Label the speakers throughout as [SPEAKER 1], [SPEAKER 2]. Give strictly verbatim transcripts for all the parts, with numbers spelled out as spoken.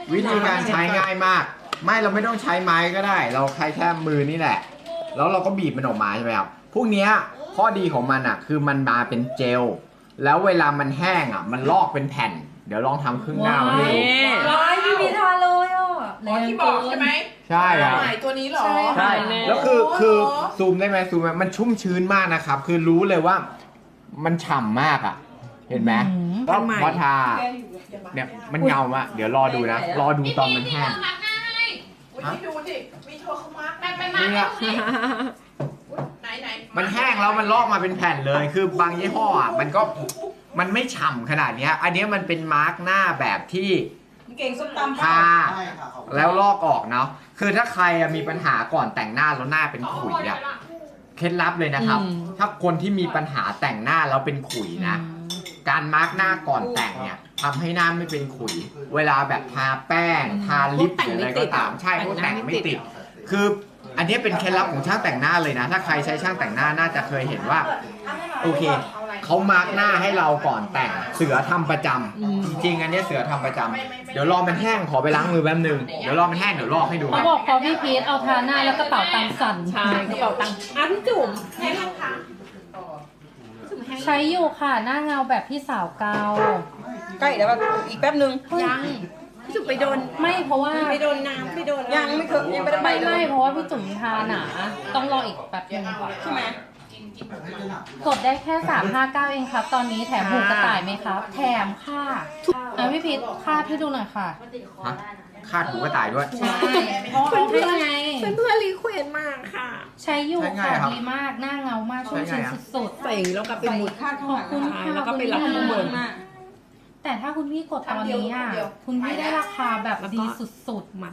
[SPEAKER 1] วิธีการใช้ง่ายมากไม่เราไม่ต้องใช้ไม้ก็ได้ เราใช้แค่มือนี่แหละแล้วเราก็บีบมันออกมาใช่ไหมครับพวกเนี้ยข้อดีของมันอ่ะคือมันมาเป็นเจลแล้วเวลามันแห้งอ่ะมันลอกเป็นแผ่นเดี๋ยวลองทำครึ่งหน้ามาให้ดู
[SPEAKER 2] ว้ายพี่พีทาเลยอ่ะ
[SPEAKER 3] อ๋อที่บอกใช่ไหม
[SPEAKER 1] ใช่ครับ
[SPEAKER 3] ใหม่ตัวนี้เหรอ
[SPEAKER 1] ใช่แล้วคือคือซูมได้ไหมซูมไหมมันชุ่มชื้นมากนะครับคือรู้เลยว่ามันฉ่ำมากอ่ะเห็นไหมก็พอทาเนี่ยมันเงามะเดี๋ยวรอดูนะรอดูตอนมันแห้ง
[SPEAKER 3] วันนี้ดูดิมีโทรเข้ามาไปไป
[SPEAKER 1] นี่อะ
[SPEAKER 3] ไหนไหน
[SPEAKER 1] มันแห้งแล้วมันลอกมาเป็นแผ่นเลย คือบางยี่ห้ออ่ะมันก็มันไม่ฉ่ำขนาดเนี้ยอันนี้มันเป็นมาร์กหน้าแบบที่
[SPEAKER 2] เก่งส้มตำ
[SPEAKER 1] ทาแล้วลอกออกเนาะคือถ้าใครมีปัญหาก่อนแต่งหน้าแล้วหน้าเป็นขุยอ่ะเคล็ดลับเลยนะครับ ถ้าคนที่มีปัญหาแต่งหน้าแล้วเป็นขุยนะการมาร์กหน้าก่อนแต่งเนี่ยทำให้หน้าไม่เป็นขุย เวลาแบบทาแป้งทาลิปหรืออะไรก็ตามใช่พวกแต่งไม่ติดคืออันนี้เป็นเคล็ดลับของช่างแต่งหน้าเลยนะถ้าใครใช้ช่างแต่งหน้าน่าจะเคยเห็นว่าโอเคเขามาร์กหน้าให้เราก่อนแต่งเสือทำประจำจริงๆอันนี้เสือทำประจำเดี๋ยวรอมันแห้งขอไปล้างมือแป๊บนึงเดี๋ยวรอมันแห้งเดี๋ยวลอกให้ดู
[SPEAKER 4] เขาบอกพอพี่พีทเอาทาหน้าแล้วกระเป๋าตังค์สั่น
[SPEAKER 2] ใช่กระเป๋าตังค์อ่ะพี่จุ๋ม
[SPEAKER 3] แห้งยังคะ
[SPEAKER 4] ใช้อยู่ค่ะหน้าเงาแบบพี่สาวเกา
[SPEAKER 2] ใกล้แล้วอีกแป๊บนึง
[SPEAKER 5] ยังพี่จุ๋มไปโดน
[SPEAKER 4] ไม่เพราะว่า
[SPEAKER 5] ไปโดนน้ำไปโดน
[SPEAKER 2] ยังไม่เคยยังไม่ได้ไป
[SPEAKER 4] ไม่
[SPEAKER 2] เล
[SPEAKER 4] ไม่
[SPEAKER 2] ย
[SPEAKER 4] เพราะว่าพี่จุ๋มทาหนาต้องรออีกแป๊บนึง
[SPEAKER 2] ใช่ไหม
[SPEAKER 4] กดได้แค่สามห้าเก้าเองครับ ตอนนี้แถมหูกระต่ายไหมครับ แถมค่ะอ่ะพี่พีทคาดให้ดูหน่อยค่ะ
[SPEAKER 1] ฮะคาดหูกระต่ายด้วย
[SPEAKER 4] ใช่เพราะเขาให้ไง
[SPEAKER 5] เพื่อนเพื่อนรีเควสมากค่ะ
[SPEAKER 4] ใช้อยู่
[SPEAKER 1] ใช้ไง
[SPEAKER 4] ค่ะ
[SPEAKER 1] ครับ
[SPEAKER 4] ดีมากหน้าเงามากชุ่มชื้นสุด
[SPEAKER 5] ใส่แล้วก็ไป
[SPEAKER 2] ใส่
[SPEAKER 5] หมุด
[SPEAKER 2] คาดข้างหลัง
[SPEAKER 4] ขอบคุณค่ะ
[SPEAKER 5] แล้วก็ไปรับข้างบน
[SPEAKER 2] มาก
[SPEAKER 4] ๆ แต่ถ้าคุณพี่กดตอนนี้อ่ะคุณพี่ได้ราคาแบบดีสุดๆ
[SPEAKER 5] มัด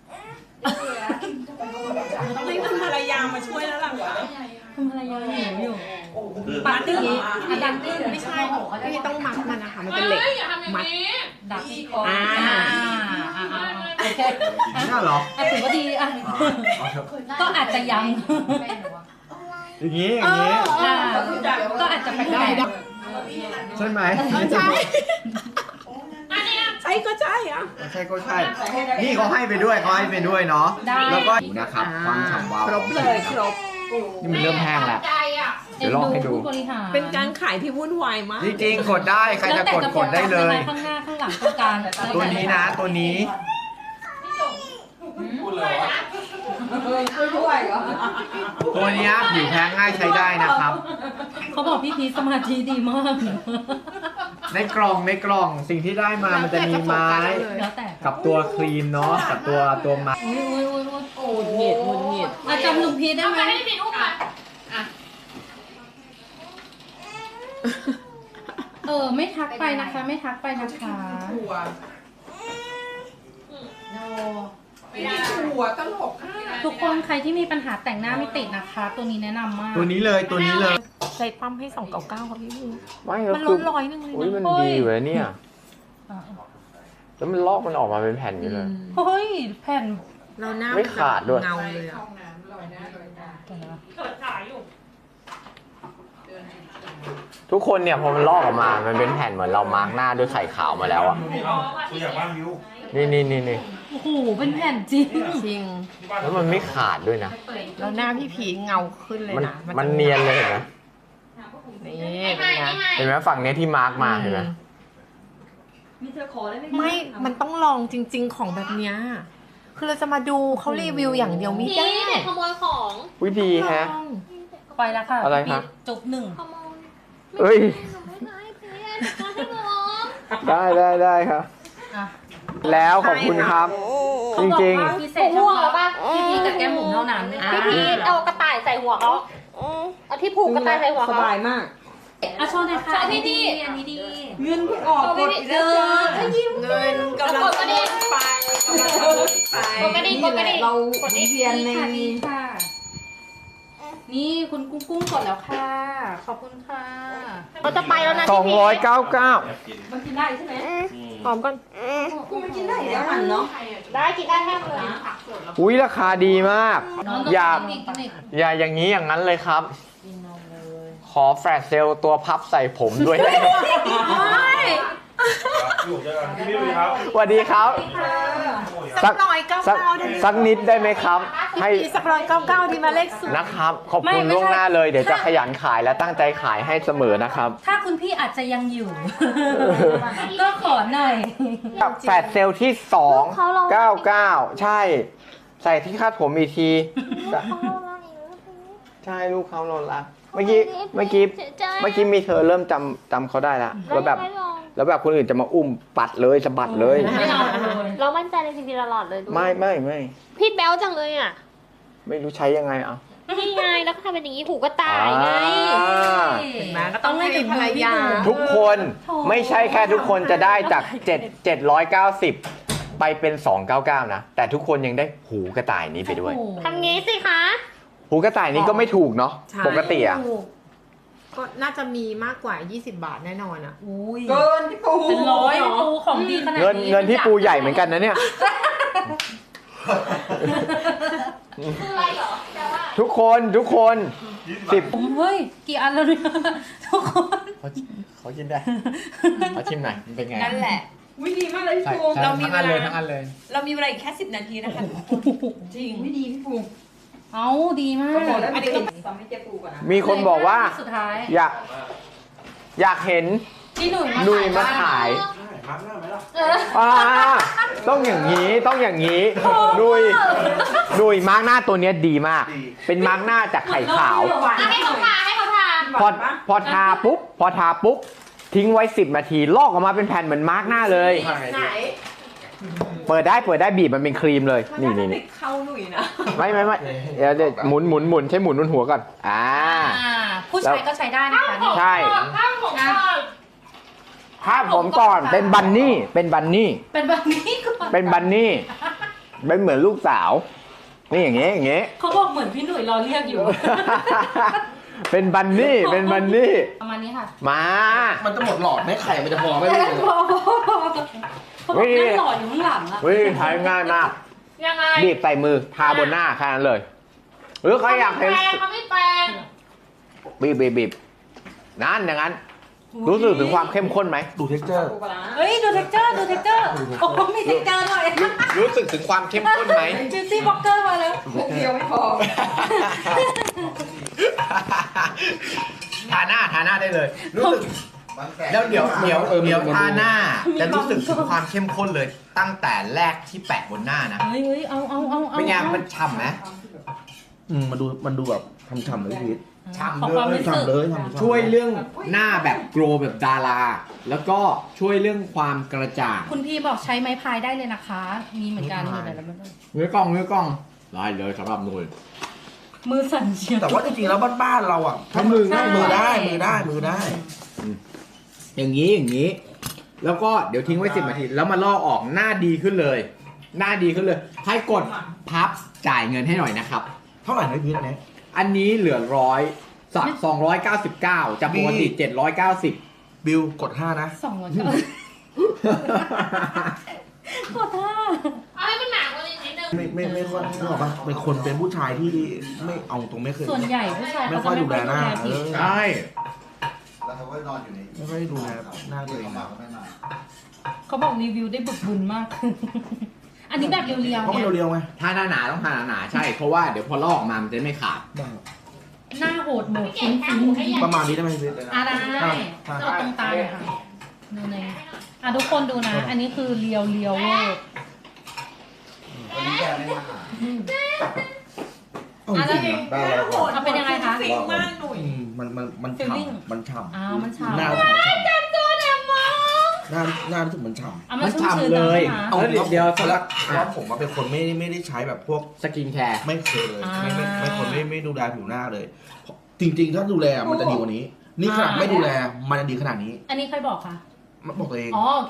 [SPEAKER 5] ต้องให้คุณภรรยามาช่วยแล้วล่ะค่ะ
[SPEAKER 4] คุณภรรยาหิวอยู่
[SPEAKER 5] ปาร์ตี้
[SPEAKER 4] อะดันตี้
[SPEAKER 5] ไม่ใช่ไม่ต้องมัดมันนะคะมันเป็นเหล็กมัด
[SPEAKER 4] ดับ
[SPEAKER 5] อ่า
[SPEAKER 4] อ่าอ่าอ่าโอเค
[SPEAKER 1] นี่เหรอ
[SPEAKER 4] อ่ะถือว่าดีอ่ะก็อาจจะยัง
[SPEAKER 1] อย่างนี้อย่างนี้
[SPEAKER 4] อ่าก็อาจจะเป็นได้
[SPEAKER 1] ใช่ไหม
[SPEAKER 5] ใช่ใช่ก็ใช่อ่ะ
[SPEAKER 1] ใช่ก็ใช่ นี่เขาให้ไปด้วยเขาให้ไปด้วยเนาะ
[SPEAKER 4] ได้
[SPEAKER 1] แล้วก็นะครับความฉ่ำวาว
[SPEAKER 5] ครบเลยครบ
[SPEAKER 1] นี่มันเริ่มแห้งแล้ว เดี๋ยวลองให้ดู
[SPEAKER 4] ผู้บริหาร
[SPEAKER 5] เป็นการขายที่วุ่นวายมาก
[SPEAKER 1] จริงๆกดได้ใครจะกดกดได้เลย
[SPEAKER 4] ข้างหน้าข้างหลังตรงกลาง
[SPEAKER 1] ตัวนี้นะตัวนี้ ตัวเนี้ยผิวแพ้ง่ายใช้ได้นะครับ
[SPEAKER 4] เขาบอกพี่พีชสมาธิดีมาก
[SPEAKER 1] ในกล่องในกล่องสิ่งที่ได้มามันจะมีไม้
[SPEAKER 4] แล้วแต่
[SPEAKER 1] กับตัวครีมเนาะกับตัวตัวมา
[SPEAKER 4] อุ้ยอุ้ยอุ้ยอุ้ย
[SPEAKER 5] หงุดหงิดหงุดหงิด
[SPEAKER 4] อ่ะจำลุงพีชได้ไหมเออไม่ทักไปนะคะ ไม่ทักไปนะคะ
[SPEAKER 3] ถั่วไม่ได้ถั่วตลกค่ะ
[SPEAKER 4] ทุกคนใครที่มีปัญหาแต่งหน้าไม่ติดนะคะ ตัวนี้แนะนำมาก
[SPEAKER 1] ตัวนี้เลยตัวนี้เลย
[SPEAKER 5] ใส่ปั๊มให้สองเก้าเก้าครับพี่มู
[SPEAKER 1] ไม่
[SPEAKER 5] มันลดร้อยหนึงเลย
[SPEAKER 1] อุ้ย
[SPEAKER 5] นะ
[SPEAKER 1] มันดีอยู่เลยเนี่ย
[SPEAKER 4] อ่ะ
[SPEAKER 1] แล้วมันลอกมันออกมาเป็นแผ่นอยู่เลย
[SPEAKER 4] เฮ้ยแผ่น
[SPEAKER 5] เราหน้า
[SPEAKER 1] ไม่ขาดด้วย
[SPEAKER 5] เงาเลยอ่ะ
[SPEAKER 4] เดี๋ยวนะ
[SPEAKER 1] ทุกคนเนี่ยพอมันลอกออกมา มันเป็นแผ่นเหมือนเรามาร์กหน้าด้วยไข่ขาวมาแล้วอ่ะ
[SPEAKER 6] ตัวอย่างบ้านวิว
[SPEAKER 1] นี่นี่นี่นี่
[SPEAKER 4] โอ้โหเป็นแผ่นจริง
[SPEAKER 5] จริง
[SPEAKER 1] แล้วมันไม่ขาดด้วยนะ
[SPEAKER 5] แล้วหน้าพี่ผีเงาขึ้นเลย
[SPEAKER 1] มัน
[SPEAKER 5] นะ
[SPEAKER 1] มันเนียนเลยเห็นไหม
[SPEAKER 5] นี่เป็นไง
[SPEAKER 1] เห็นไหมฝั่งเนี้ยที่มาร์กมาเห็นไหม
[SPEAKER 5] ไม่ มันต้องลองจริง ๆ ของแบบเนี้ย คือเราจะมาดูเขารีวิวอย่างเดียวไม่ได้
[SPEAKER 7] พี่เด็กขโมยของ
[SPEAKER 1] วิธีฮะ
[SPEAKER 5] ต้อง
[SPEAKER 4] ไปแล้วค่ะ
[SPEAKER 1] อะไรคะ
[SPEAKER 4] พี่จุบหนึ่ง
[SPEAKER 7] ขโมย
[SPEAKER 1] เอ้ย
[SPEAKER 7] ไม่ใช่พี่มาให้หมอ
[SPEAKER 1] ได้ได้ได้ครับ
[SPEAKER 4] อ่ะ
[SPEAKER 1] แล้วขอบคุณครับ จริง
[SPEAKER 4] พิเศษเฉพาะพี่พีกับแก้มหมุนเท่านั้น
[SPEAKER 7] พี่พีทเอากระต่ายใส่หัวเขาเอาที่ผูกกระต่ายใส่หัว
[SPEAKER 2] ส
[SPEAKER 7] เขา
[SPEAKER 2] บายมาก
[SPEAKER 4] อ่ะโชว์หน่อยค่ะ
[SPEAKER 7] ใช่พี่ดี
[SPEAKER 4] อันนี้ดี
[SPEAKER 2] เงินเพิ่งออกกดอีกแล้วจ้า
[SPEAKER 5] เงินกำลัง
[SPEAKER 7] กดกระดิ่ง
[SPEAKER 5] ไปกำลังไป
[SPEAKER 7] กดกระดิ่งกดกระดิ่ง
[SPEAKER 2] เรา
[SPEAKER 7] กด
[SPEAKER 2] หมุ
[SPEAKER 7] ดิ่
[SPEAKER 2] น
[SPEAKER 7] ง
[SPEAKER 2] เวียนใน
[SPEAKER 4] ค่ะดีค่ะ นี่คุณกุ้งกุ้งกดแล้วค่ะ ขอบคุณค่ะ
[SPEAKER 7] เราจะไปแล้วนะ
[SPEAKER 1] ๆ สองร้อยเก้าเก้า
[SPEAKER 4] มันกินได้ใช่ไหม
[SPEAKER 5] หอมก่อน
[SPEAKER 2] มันกินได้แล้วมันเนาะ
[SPEAKER 7] ได้กินได้แทบเลย
[SPEAKER 1] อุ้ยราคาดีมาก อยาก
[SPEAKER 4] กินอีก
[SPEAKER 1] อย่าอย่างนี้อย่างนั้นเลยครับ ขอแฟลชเซลล์ตัวพับใส่ผมด้วยได้ไหม
[SPEAKER 6] อยู่เจอกันพี่วิวครับ
[SPEAKER 1] สวัสดีครับ
[SPEAKER 2] ค่ะ
[SPEAKER 5] สักร้อยเก้า
[SPEAKER 1] สัก
[SPEAKER 5] เก้าได้ไหม
[SPEAKER 1] สักนิดได้ไหมครับ ให้
[SPEAKER 5] สักร้อยเก้าเก้าดีมาเลขศูนย์
[SPEAKER 1] นะครับ ขอบ
[SPEAKER 4] ไม่
[SPEAKER 1] คุณ
[SPEAKER 4] ไม่
[SPEAKER 1] ล่วง
[SPEAKER 4] ใช่
[SPEAKER 1] หน้าเลย เดี๋ยวจะขยันขายและตั้งใจขายให้เสมอนะครับ
[SPEAKER 4] ถ้าคุณพี่อาจจะยังอยู่ ก็ขอหน่อย
[SPEAKER 1] แฟดเซลล์ที่สองเก้าเก้าใช่ ใส่ที่คาดผมอีกที ใช่ลูกเขาโนนละเมื่อกี้เมื่อกี้เมื่อกี้มีเธอเริ่มจำจำเขาได้แล้วแล้วแบบแล้วแบบคนอื่นจะมาอุ้มปัดเลยสะบัดเลย
[SPEAKER 4] ไม่เอาเลย
[SPEAKER 7] เรามั่นใจในสิ่งที่เราหลอดเลยด้วย
[SPEAKER 1] ไม่ไม่ไม่
[SPEAKER 7] พี่แบ๊วจังเลยอ่ะ
[SPEAKER 1] ไม่รู้ใช้ยังไงอ่ะ
[SPEAKER 7] นี่ไงแล้วก็ทำเป็นอย่างนี้หูกระต่ายไง
[SPEAKER 1] อ่า
[SPEAKER 5] เห็นไหมก็ต้องให้ภรรยา
[SPEAKER 1] ทุกคนไม่ใช่แค่ทุกคนจะได้จากเจ็ด เจ็ดร้อยเก้าสิบไปเป็นสองร้อยเก้าสิบเก้านะแต่ทุกคนยังได้หูกระต่ายนี้ไปด้วย
[SPEAKER 7] ทำงี้สิคะ
[SPEAKER 1] หูกระต่ายนี้ก็ไม่ถูกเนาะ
[SPEAKER 5] ใช่
[SPEAKER 1] ปกติอ่ะ
[SPEAKER 5] ก็น่าจะมีมากกว่า ยี่สิบบาทแน่นอนอ่ะ
[SPEAKER 4] อุ้ย
[SPEAKER 2] เกินพี่ปู
[SPEAKER 4] เป็นร้อยปูของดีขนาดนี้
[SPEAKER 1] เงินเงินที่ปูใหญ่เหมือนกันนะเนี่ย
[SPEAKER 7] คืออะไรเหรอแปลว่า
[SPEAKER 1] ทุกคนทุกคนสิบ
[SPEAKER 4] ผมเฮ้ย กี่อันแล้วเนี่ยทุกคน
[SPEAKER 1] เขาเขากินได้เขาชิมหน่อยมันเป็นไง
[SPEAKER 2] นั่นแหละวิดีมากเลยพี่
[SPEAKER 1] ใช่
[SPEAKER 2] ปู
[SPEAKER 1] ใช่
[SPEAKER 2] เรามี
[SPEAKER 1] ทั้ง
[SPEAKER 2] เว
[SPEAKER 1] อันเลย
[SPEAKER 2] ลา
[SPEAKER 1] ทั้งอันเลย
[SPEAKER 2] เรามีเวลาอีกแค่สิบนาทีนะคะจริงวิดีพี่ปู
[SPEAKER 4] เอาดีมาก
[SPEAKER 2] ก็บอกแล้วอันนี้ต้องทำให้เจ๊ปูก่อนนะ
[SPEAKER 1] มีคนบอกว่า
[SPEAKER 4] สุดท้าย
[SPEAKER 1] อยากอยากเห็น
[SPEAKER 4] ที่หนุ่ย
[SPEAKER 1] หนุ่ยมาขาย
[SPEAKER 4] เออ
[SPEAKER 1] อ่าต้องอย่างนี้ต้องอย่างนี้หนุ่ยหนุ่ยมาร์กหน้าตัวเนี้ยดีมาก เป็นมาร์กหน้าจากไข่ขาว
[SPEAKER 7] ให้เขาทาให้เขาทา
[SPEAKER 1] พอพอทาปุ๊บพอทาปุ๊บทิ้งไว้สิบนาทีลอกออกมาเป็นแผ่นเหมือนมาร์กหน้าเลย
[SPEAKER 2] ไหน
[SPEAKER 1] เปิดได้เปิดได้บีบมันเป็นครีมเลยนี่นี่นี่
[SPEAKER 2] เข้าหนุ่ยนะ
[SPEAKER 1] ไม่ไม่ไม่เดี๋ยวเดี๋ยวหมุนหมุนหมุนใช้หมุนบนหัวก่อนอ่า
[SPEAKER 4] อ่าผู้ชายก็ใช้ได้นะคะนี่
[SPEAKER 1] ใช่
[SPEAKER 7] ข้างของก่อน
[SPEAKER 1] ภาพผมก่อนเป็นบันนี่เป็นบันนี่
[SPEAKER 4] เป็นแบบนี้ก่อน
[SPEAKER 1] เป็นบันนี่เป็นเหมือนลูกสาวนี่อย่างเงี้ยอย่างเงี้ย
[SPEAKER 4] เขาบอกเหมือนพี่หนุ่ยรอเรียกอยู่
[SPEAKER 1] เป็นบันนี่เป็นบันนี่
[SPEAKER 4] ประมาณนี้ค่ะ
[SPEAKER 1] มา
[SPEAKER 6] มันจะหมดหลอดไหมไข่มันจะพอไหมพี่
[SPEAKER 4] พอพอพอเขาบอกนั่งหล่ออยู่ข้างหลังอะ
[SPEAKER 1] วิธีใช้ง่ายมาก
[SPEAKER 7] ยังไง
[SPEAKER 1] บีบใส่มือทาบนหน้าแค่นั้นเลย หรือใครอยากเห็น
[SPEAKER 7] แปรงเขาไม่แปรง
[SPEAKER 1] บีบบีบบีบนั่นอย่างนั้น รู้สึกถึงความเข้มข้นไหม
[SPEAKER 6] ดูเท็กเจอร์
[SPEAKER 2] ปูปลาร้า
[SPEAKER 4] เฮ้ย ดูเท็กเจอร์ ดูเท็กเจอร์ โอ้โหมีเท็กเจอร์หน่อย
[SPEAKER 1] รู้สึกถึงความเข้มข้นไหม
[SPEAKER 4] จูซี่บ็อกเกอร์มาแล้ว
[SPEAKER 2] ปูเดียวไม่พอ
[SPEAKER 1] ทาหน้าทาหน้าได้เลย รู้สึกแล้วเดี๋ยวเดี๋ยวเดี๋ยวทาหน้าจะรู้สึกถึงความเข้มข้นเลย ตั้งแต่แรกที่แปะบนหน้านะ
[SPEAKER 4] เฮ้ยเฮ้ยเอาเอาเอาเอา
[SPEAKER 1] เป็นไงมันฉ่ำไหม
[SPEAKER 6] อืมมันดูมันดูแบบฉ่ำๆเลยพี่พีท
[SPEAKER 1] ฉ่ำ
[SPEAKER 4] ของ
[SPEAKER 1] เล
[SPEAKER 4] ความ
[SPEAKER 1] ย
[SPEAKER 4] รู้สึก
[SPEAKER 6] ฉ่ำเลยฉ่ำๆ
[SPEAKER 1] ช่วยเรื่องหน้าแบบโกลว์แบบดารา แล้วก็ช่วยเรื่องความกระจ่าง
[SPEAKER 4] คุณพี่บอกใช้ไม้พายได้เลยนะคะ มีเหมือนกันอยู่ไหนแล้วมัน
[SPEAKER 1] เนื้อกล้องเนื้อกล้องได้เลยสำหรับหนุ่ย
[SPEAKER 4] มือสั่นเชียว
[SPEAKER 6] แต่ว่าจริงๆแล้วบ้านๆเราอ่ะถ้ามือ
[SPEAKER 4] ใช่
[SPEAKER 6] มือได้มือได้มือได้
[SPEAKER 1] อย่างนี้อย่างนี้ แล้วก็เดี๋ยวทิ้งไว้สิบนาทีแล้วมาลอกออกหน้าดีขึ้นเลย หน้าดีขึ้นเลย ให้กดพับจ่ายเงินให้หน่อยนะครับ
[SPEAKER 6] เท่าไหร่นะพี่พีทอันนี้
[SPEAKER 1] อันนี้เหลือร้อยสักสองร้อยเก้าสิบเก้าจากปกติเจ็ดร้อยเก้าสิบ
[SPEAKER 6] บิลกดห้านะ
[SPEAKER 4] สองร้อยเก้าสิบกดท่า
[SPEAKER 7] เอาให้มันหนากว่านี้นิดนึง
[SPEAKER 6] ไม่ไม่ไม่ค่อยนึกออกปะเป็นคนเป็นผู้ชายที่ไม่เอาตรงไม่เคย
[SPEAKER 4] ส่วนใหญ่ผู้ชาย
[SPEAKER 6] ไม่
[SPEAKER 4] เขา
[SPEAKER 6] ค่อย
[SPEAKER 4] จะ
[SPEAKER 6] ดูแลหน้า
[SPEAKER 4] ผิว
[SPEAKER 6] เออ
[SPEAKER 1] ใช่
[SPEAKER 8] แล้วเขาก็นอนอยู่ใน
[SPEAKER 6] ไม่ค่อยดูแลหน้าตัวเอง
[SPEAKER 8] มา
[SPEAKER 6] นะ
[SPEAKER 8] ก็ไม่มา
[SPEAKER 4] เขาบอกรีวิวได้บึกบึนมาก อันนี้แบบเรียว
[SPEAKER 6] เพราะ
[SPEAKER 4] ๆ
[SPEAKER 6] มัน
[SPEAKER 4] เนี่ย
[SPEAKER 6] เร็วๆไง
[SPEAKER 1] ถ้าหน้าหนาต้องทาหนาๆใช่ เพราะว่าเดี๋ยวพอลอกออกมามันจะไม่ขาด
[SPEAKER 4] หน้าโหดโหมดฟุ้งฟิ้ง
[SPEAKER 6] ประมาณนี้ได้ไหมพี่พีท
[SPEAKER 4] อ่ะได้
[SPEAKER 6] อ่ะ
[SPEAKER 4] จะเอาตรงตาเลยค่ะดูในอ่ะทุกคนดูนะ อันนี้คือเรียวเรียวเวอร์
[SPEAKER 8] วันนี้แกไม่มาหา
[SPEAKER 6] เอาจริงๆนะ
[SPEAKER 8] ได้แล้ว
[SPEAKER 4] เอาเป็นยังไงคะ
[SPEAKER 2] ฟิงมากหนุ่ย
[SPEAKER 6] อืมมันมันมัน
[SPEAKER 4] Feeling
[SPEAKER 6] ฉ่ำมันฉ่
[SPEAKER 4] อ้าวมัน
[SPEAKER 6] ำ
[SPEAKER 4] ฉ่ำ
[SPEAKER 6] หน้ารู้สึกมันฉ่ำหน้าหน้ารู้สึกมันฉ่ำ
[SPEAKER 4] เอา
[SPEAKER 1] มั
[SPEAKER 4] มาน ชุ่มชื้น
[SPEAKER 1] ฉ่ำเลย
[SPEAKER 4] นะคะ
[SPEAKER 1] เอาเดี๋ยว
[SPEAKER 6] เพ
[SPEAKER 1] ส
[SPEAKER 6] ราะ
[SPEAKER 1] ลัก
[SPEAKER 6] เพราะผมอะเป็นคนไม่ไม่ได้ใช้แบบพวก
[SPEAKER 1] สกินแคร์
[SPEAKER 6] ไม่เคยเลยไม่ไม่ไม่คนไม่ไม่ดูแลผิวหน้าเลย จริง ๆ ถ้าดูแลมันจะดีกว่านี้ นี่ขนาดไม่ดูแลมันจะดีขนาดนี้
[SPEAKER 4] อันนี้ใครบอกคะ
[SPEAKER 6] มันบอกตัวเอง
[SPEAKER 4] อ๋อโอเค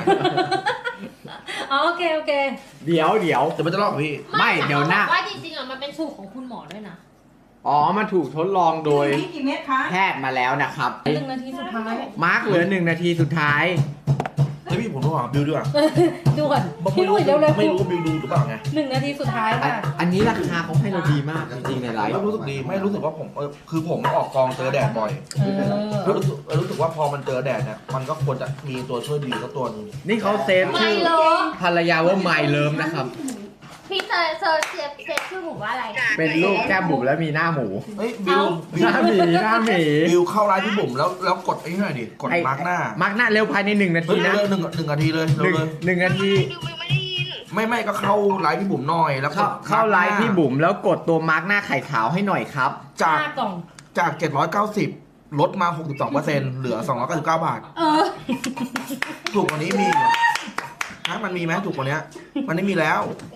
[SPEAKER 4] อ๋อโอเคโอเค
[SPEAKER 1] เดี๋ยวเดี๋ยว
[SPEAKER 6] แต่มันจะลอกพี่
[SPEAKER 1] ไม่เดี๋ยวหน้า
[SPEAKER 7] ว่าจริงๆอ่ะมันเป็นสูตรของคุณหมอด้วยนะ
[SPEAKER 1] อ๋อมันถูกทดลองโดย
[SPEAKER 2] นี่กี่เม็ดคะ
[SPEAKER 1] แพทย์มาแล้วนะครับ
[SPEAKER 4] หนึ่งนาทีสุดท้าย
[SPEAKER 1] มาร์กเหลือหนึ่งนาทีสุดท้าย
[SPEAKER 6] ฮ้ยพี่ผมต้องหาบิวด้วยอ่ะ
[SPEAKER 4] ด่วนพี่หนุ่ยเร็ว
[SPEAKER 6] ไม่รู้ว่าบิวดูหรือเปล่าไง
[SPEAKER 4] ๆหนึ่งนาทีสุดท้าย
[SPEAKER 1] อัน
[SPEAKER 4] ค่ะ
[SPEAKER 1] อันนี้ราคาเขาให้เราดีมากจริงๆในไลฟ์
[SPEAKER 6] แล้วรู้สึกดีไม่รู้สึกว่าผมเออคือผมออกกองเจอแดดบ่อย
[SPEAKER 4] เออ
[SPEAKER 6] แล้วรู้สึกเออรู้สึกว่าพอมันเจอแดดเนี่ยมันก็ควรจะมีตัวช่วยบิวสักตัวหนึง
[SPEAKER 1] นี่เขาเซฟ
[SPEAKER 7] ไม่
[SPEAKER 1] ชื่อ
[SPEAKER 7] เลิฟ
[SPEAKER 1] ภรรยาว่าไมเลิฟนะครับ
[SPEAKER 7] พี่เซอร์เซอร์เซฟเซฟชื่อหมูว่าอะไร
[SPEAKER 1] เป็นลูกแก้มบุ๋มแล้วมีหน้าหมู
[SPEAKER 6] เฮ้ยบิวบิ
[SPEAKER 1] ห
[SPEAKER 6] ว
[SPEAKER 1] น้าหมีหน้าหมี
[SPEAKER 6] บิวเข้าไลน์พี่บุ๋มแล้วแล้วกดไอ้นี่หน่อยดิกด
[SPEAKER 1] ไอ้
[SPEAKER 6] มาร์กหน้า
[SPEAKER 1] มาร์กหน้าเร็วภายในหนึ่งนา
[SPEAKER 6] เฮ้
[SPEAKER 1] ที
[SPEAKER 6] ย
[SPEAKER 1] นะ
[SPEAKER 6] เร็วหนึ่งหนึ่งนาทีเลย
[SPEAKER 1] ห
[SPEAKER 6] เร็
[SPEAKER 1] นึ่
[SPEAKER 6] ว
[SPEAKER 1] ง
[SPEAKER 6] เลย
[SPEAKER 1] หนึ่งนาที
[SPEAKER 6] ไม่ไม่ก็เข้าไลน์พี่บุ๋มหน่อยแล้วก
[SPEAKER 1] เข้า
[SPEAKER 6] ด
[SPEAKER 1] เข้าไลฟ์
[SPEAKER 6] มาร์คหน้
[SPEAKER 1] พี่บุ๋มแล้วกดตัวมาร์กหน้าไข่ขาวให้หน่อยครับ
[SPEAKER 6] จาก
[SPEAKER 4] ห้ากล่อง
[SPEAKER 6] จากเจ็ดร้อยเก้าสิบลดมา หกสิบสองเปอร์เซ็นต์ เหลือ สองร้อยเก้าสิบเก้า บาท
[SPEAKER 4] เออ
[SPEAKER 6] ถูกกว่านี้มีเหรอฮะมันมีไหมถูกกว่านี้มันไม่มีแล้ว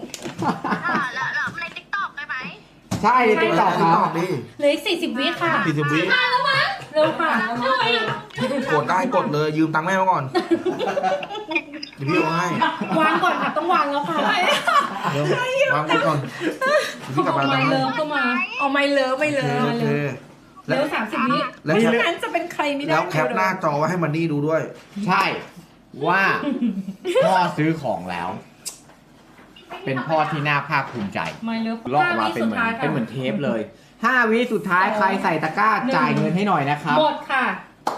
[SPEAKER 1] ใช่ในติ๊กต็อกค
[SPEAKER 6] ติ๊ก
[SPEAKER 1] รั
[SPEAKER 6] ต็อบ กดิ
[SPEAKER 4] เหลืออีกสี่สิบวิค่ะ
[SPEAKER 6] สี่สิบวิ
[SPEAKER 4] เร็วค่ะ
[SPEAKER 6] กดได้กดเลยยืมตังค์แม่มาก่อน เดี๋ยวพี่เอาให้
[SPEAKER 4] วางก่อนค่ะต้องวางแล้วค่ะ
[SPEAKER 6] เดี๋ยววางไว้ก่อนเดี๋ยวพี่กลับ
[SPEAKER 4] เอา
[SPEAKER 6] มา
[SPEAKER 4] ไม
[SPEAKER 6] ตังค์
[SPEAKER 4] เลิ
[SPEAKER 6] ให้
[SPEAKER 4] ฟก็มา
[SPEAKER 5] เอาไม่เลิฟไม่
[SPEAKER 6] โอ
[SPEAKER 5] เลิ
[SPEAKER 6] เค
[SPEAKER 5] ฟ
[SPEAKER 6] โอเค
[SPEAKER 4] เร็วสามสิบวิ
[SPEAKER 6] แล้ว
[SPEAKER 5] ไม่
[SPEAKER 6] แคป
[SPEAKER 5] งั้นจะเป็นใครไม่ได้
[SPEAKER 6] แล้วแคปหน้าจอไว้ให้มันนี่ดูด้วย
[SPEAKER 1] ใช่ว่าพ่อซื้อของแล้ว เป็นพ่อที่น่าภาคภูมิใจ
[SPEAKER 4] ไมเลิฟ
[SPEAKER 1] ลอก
[SPEAKER 4] ห้า
[SPEAKER 1] มา
[SPEAKER 4] วิ
[SPEAKER 1] เป็น
[SPEAKER 4] สุ
[SPEAKER 1] เห
[SPEAKER 4] ด
[SPEAKER 1] มือน
[SPEAKER 4] ท้าย
[SPEAKER 1] เป็น
[SPEAKER 4] ค่ะ
[SPEAKER 1] เหมือนเทปเลยห้าวิสุดท้ายใครใส่ตะกร้าจ่ายเงินให้หน่อยนะครับ
[SPEAKER 4] หมดค่ะ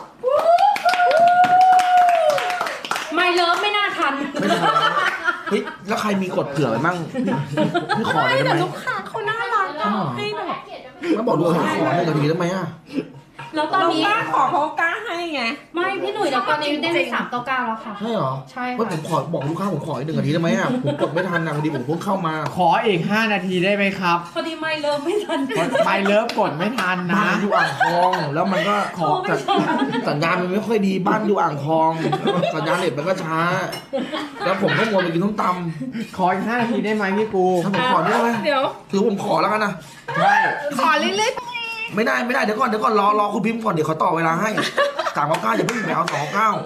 [SPEAKER 4] ไมเลิฟไม่น่าทัน
[SPEAKER 6] ไม่ทันแล้วเฮ้ยแล้วใครมีกดเผื่อไว้มั่งพี่พี่ขอเลยได้ไหม
[SPEAKER 5] แต่ลูกค้าเขาน่ารักอะให้แบบ
[SPEAKER 6] แล้วบอกดูขอขอหนึ่งนาทีได้ไหมอ่ะ
[SPEAKER 4] แล้วตอน
[SPEAKER 5] เรา
[SPEAKER 4] นี้
[SPEAKER 5] กล้าขอเขากล้าให้ไง
[SPEAKER 4] ไม่พี่หนุ่ยแล้วตอนนี้ได้ไปสามเก้าเก้าแล้วค่ะ
[SPEAKER 6] ใช่เหรอ
[SPEAKER 4] ใช่
[SPEAKER 6] ว่า
[SPEAKER 4] ค่ะ
[SPEAKER 6] ผมขอบอกลูกค้าผมขออีกหนึ่งนาทีได้ไหมอ่ะผมกดไม่ทันนะพอดีผมเพิ่งเข้ามา
[SPEAKER 1] ขออีกห้านาทีได้ไหมครับ
[SPEAKER 4] พอดีไมเลิฟไม่ทัน
[SPEAKER 1] ไปเลิฟกดไม่ทัน
[SPEAKER 6] บ้า
[SPEAKER 1] นะ
[SPEAKER 6] นอยู่อ่างทองแล้วมันก็ขอ
[SPEAKER 4] โทรไม่ทัน
[SPEAKER 6] สัญญาณมันไม่ค่อยดีบ้านอยู่อ่างทองสัญญาณเน็ตมันก็ช้า แล้วผมก็มัวไปกินต้มต
[SPEAKER 1] ขออีกห้านาทีได้ไหมพี่ปู
[SPEAKER 6] ำถ้าผมขอได้ไหม
[SPEAKER 5] เดี๋ยว
[SPEAKER 6] ถือผมขอแล้วกันนะ
[SPEAKER 1] ใช่
[SPEAKER 5] ขอเรื่อย
[SPEAKER 6] ไม่ได้ไม่ได้เดี๋ยวก่อนเดี๋ยวก่อนรอรอคุณพิมพ์ก่อนเดี๋ยวเขาต่อเวลาให้สามเก้าเก้าอย่าเพิ่งไปเอาสองเก้า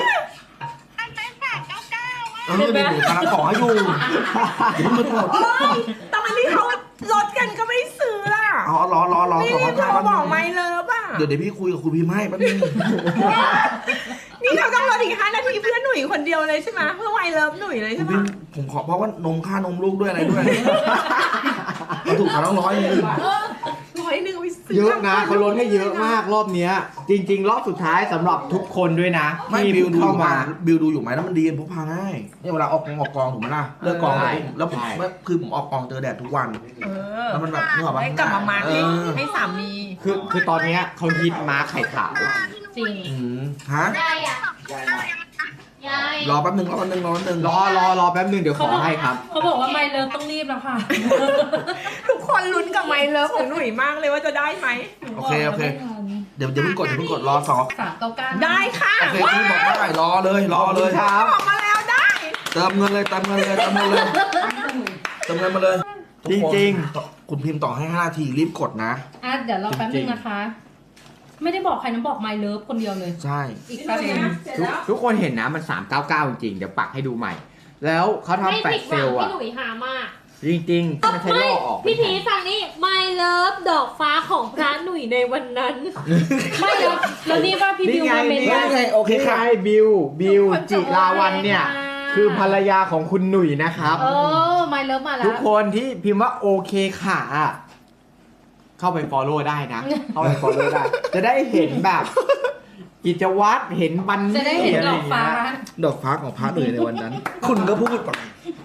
[SPEAKER 6] เออเดี๋ยวผมกำลังขอให้อยู่อย่าเพิ่งไปกด
[SPEAKER 5] ๆตอนที่เขาลดกันก็ไม่ซื้อล่ะ
[SPEAKER 6] เอารอรอรอ
[SPEAKER 5] นี่
[SPEAKER 6] สอง
[SPEAKER 5] โท
[SPEAKER 6] เก้าร แป๊บ
[SPEAKER 5] บ
[SPEAKER 6] นึ
[SPEAKER 5] อก
[SPEAKER 6] ง
[SPEAKER 5] ไม่เลิฟอ่ะ
[SPEAKER 6] เดี๋ยวเดี๋ยวพี่คุยกับคุณพิมพ์ให้แป๊บนึง
[SPEAKER 5] นี่เขาต้องลดอีกห้านาทีเพื่อหนุ่ยคนเดียวเลยใช่ไหมเพื่อไมเลิฟหนุ่ยเลย
[SPEAKER 6] คุ
[SPEAKER 5] ใช่
[SPEAKER 6] ณ
[SPEAKER 5] ไหม
[SPEAKER 6] พิมพ์ผมขอเพราะว่านมค่านมลูกด้วยอะไรด้วยเราถูกขอต้องร้อยหนึง
[SPEAKER 5] ร้อยหนึ่งไปซื้อ
[SPEAKER 1] เยอะนะเขาลดให้เยอะมากรอบเนี้ย จริง ๆ รอบสุดท้ายสำหรับทุกคนด้วยนะ
[SPEAKER 6] ไม่
[SPEAKER 1] ที่
[SPEAKER 6] บิวดูอ
[SPEAKER 1] เข้า
[SPEAKER 6] ยู่ไหม
[SPEAKER 1] มา
[SPEAKER 6] บิวดูอยู่ไหมแล้วมันดีพกพาง่ายเนี่ยเวลาออกกองออกกองถูกไหมล่ะเลิกกอง
[SPEAKER 1] ใช่
[SPEAKER 6] แล้วผม
[SPEAKER 1] ใช่
[SPEAKER 6] คือผมออกกองเจอแดดทุกวัน
[SPEAKER 5] เออ
[SPEAKER 6] แล้วมันแบบนึกออกปะ
[SPEAKER 5] ให้กลับมามาร์คให้
[SPEAKER 6] เออ
[SPEAKER 5] ให้สามี
[SPEAKER 1] คือคือตอนเนี้ยเขาฮิตม้าไข่ขาว
[SPEAKER 4] จริง
[SPEAKER 6] อืมฮะ
[SPEAKER 7] ยายอ่ะยาย
[SPEAKER 6] รอแป๊บนึงรอแป๊บนึงรอแป๊บนึง
[SPEAKER 1] รอรอรอแป๊บนึงเดี๋ยวขอให้ครับ
[SPEAKER 4] เขาบอกว่าไมเลิฟต้องรีบแล้วค่ะ
[SPEAKER 5] ทุกคนลุ้นกับไมเลิฟของหนุ่ยมากเลยว่าจะได้ไหม
[SPEAKER 6] โอเคโอเคเดี๋ยวเดี๋ยวเพิ่งกดเดี๋ยวเพิ่งกดรอสอง
[SPEAKER 4] สามเก้าเก้า
[SPEAKER 5] ได้ค่ะ
[SPEAKER 6] โอเคพี่บอกได้รอเลยรอเลย
[SPEAKER 1] ครับ
[SPEAKER 5] ออกมาแล้วได้
[SPEAKER 6] เติมเงินเลยเติมเงินเลยเติมเงินเลยเติมเงินมาเลย
[SPEAKER 1] จริง
[SPEAKER 6] ๆคุณพิมพ์ต่อให้ห้านาทีรีบกดนะ
[SPEAKER 4] อ่ะเดี๋ยวรอแป๊บนึงนะคะ ไม่ได้บอกใครนะบอกไมเลิฟคนเดียวเลย
[SPEAKER 6] ใช่
[SPEAKER 4] อีกแป๊บนึง
[SPEAKER 1] ทุกทุกคนเห็นนะมันสามเก้าเก้าจริงๆ เดี๋ยวปักให้ดูใหม่ แล้วเขา
[SPEAKER 7] ไม่
[SPEAKER 1] ทำแฟล
[SPEAKER 7] ผิ
[SPEAKER 1] ช
[SPEAKER 7] ด
[SPEAKER 1] เซ
[SPEAKER 7] หวั
[SPEAKER 1] ล
[SPEAKER 7] ง
[SPEAKER 1] ล์
[SPEAKER 7] พี่
[SPEAKER 1] อ่ะ
[SPEAKER 7] หนุ่ยหามาก
[SPEAKER 1] จริงๆไม่ใช่ล่อออก
[SPEAKER 7] พี่พีฟังนี่ My Love ดอกฟ้าของพระหนุ่ยในวันนั้น
[SPEAKER 4] ไม่แล้วแล้วนี่ว่าพี่บิวมาเมน
[SPEAKER 1] นี่
[SPEAKER 6] นี่
[SPEAKER 1] ไง
[SPEAKER 6] ไงโอเค
[SPEAKER 1] นี่
[SPEAKER 6] ค่ะ
[SPEAKER 1] ไงบิวบิวจิราวันเนี่ย คือภรรยาของคุณหนุ่ยนะครับ
[SPEAKER 4] เออไมเลิฟมาแล้
[SPEAKER 1] ทุ
[SPEAKER 4] ว
[SPEAKER 1] กคนที่พิมพ์ว่าโอเคค่ะอะเข้าไป follow ได้นะ เข้าไป follow ได้ จะได้เห็นแบบ กิจวัตรเห็นบัน
[SPEAKER 4] จะได้เห็นดอกฟ้า
[SPEAKER 6] ดอกฟ้าของพระหนุ่ยในวันนั้น คุณก็พูดไป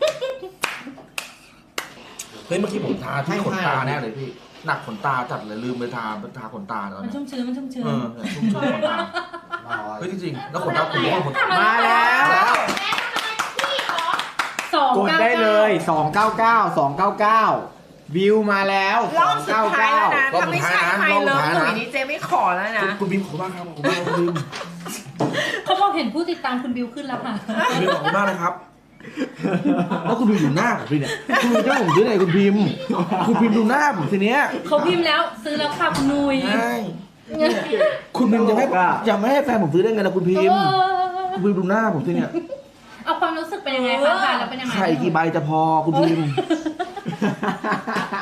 [SPEAKER 6] เฮ้ยเมื่อกี้ผมทาที่ขนตาแน่เลยพี่หนักขนตาจัดเลยลืมไปทาทาขนตาตอน
[SPEAKER 4] มัน
[SPEAKER 6] นี้
[SPEAKER 4] ชุ่มชื้นมันชุ่มชื้น
[SPEAKER 6] เออเนี่ยชุ่มชื้นขนตาเฮ้ยจริงๆแล้วขนตาผมก็ขนตา
[SPEAKER 1] มาแล้ว
[SPEAKER 4] สอง
[SPEAKER 1] กด
[SPEAKER 4] เก้า
[SPEAKER 1] ได้เล
[SPEAKER 4] เก้าย
[SPEAKER 1] สองเก้าเก้า สองเก้าเก้า วิวมาแล้ว
[SPEAKER 5] รอบสุดท้ายแล้วนะ
[SPEAKER 6] รอบ
[SPEAKER 5] ถ้า
[SPEAKER 6] สุ
[SPEAKER 5] ไม่
[SPEAKER 6] ดท้าย
[SPEAKER 5] ใช่
[SPEAKER 6] นะ
[SPEAKER 5] ไม
[SPEAKER 6] รอบสุ
[SPEAKER 5] เลิ
[SPEAKER 6] ด
[SPEAKER 5] ฟ
[SPEAKER 6] ท้าย
[SPEAKER 5] หนุ่ย
[SPEAKER 6] นะ
[SPEAKER 5] นี่เจไม่ขอแล้วนะ
[SPEAKER 6] คุณบิมขอบคุณมากครับขอบคุณมากคุณบิม
[SPEAKER 4] เขาบอกเห็นผู้ติดตามคุณบิวขึ้นแล้วค่ะ
[SPEAKER 6] คุณบิมขอบคุณมากนะครับแล้วคุณบิมอยู่หน้าผมพี่เนี่ยคุณจะให้ผมซื้อไหนคุณพิมพ์คุณพิมพ์ดูหน้าผมทีเนี้ย
[SPEAKER 4] เขาพิมพ์แล้วซื้อแล้วค่ะคุณนุย
[SPEAKER 6] ใช่คุณพิมพ์จะไม่จะไม่ให้แฟนผมซื้อได้ไงล่ะคุณพิมพ์
[SPEAKER 4] เออ
[SPEAKER 6] คุณพิมพ์ดูหน้าผมทีเนี้ย
[SPEAKER 4] เอาความรู้สึกเป็นยังไงคะทานแล้วเป็นยังไง
[SPEAKER 6] ไข่กี่ใบจะพอคุณพิมพ์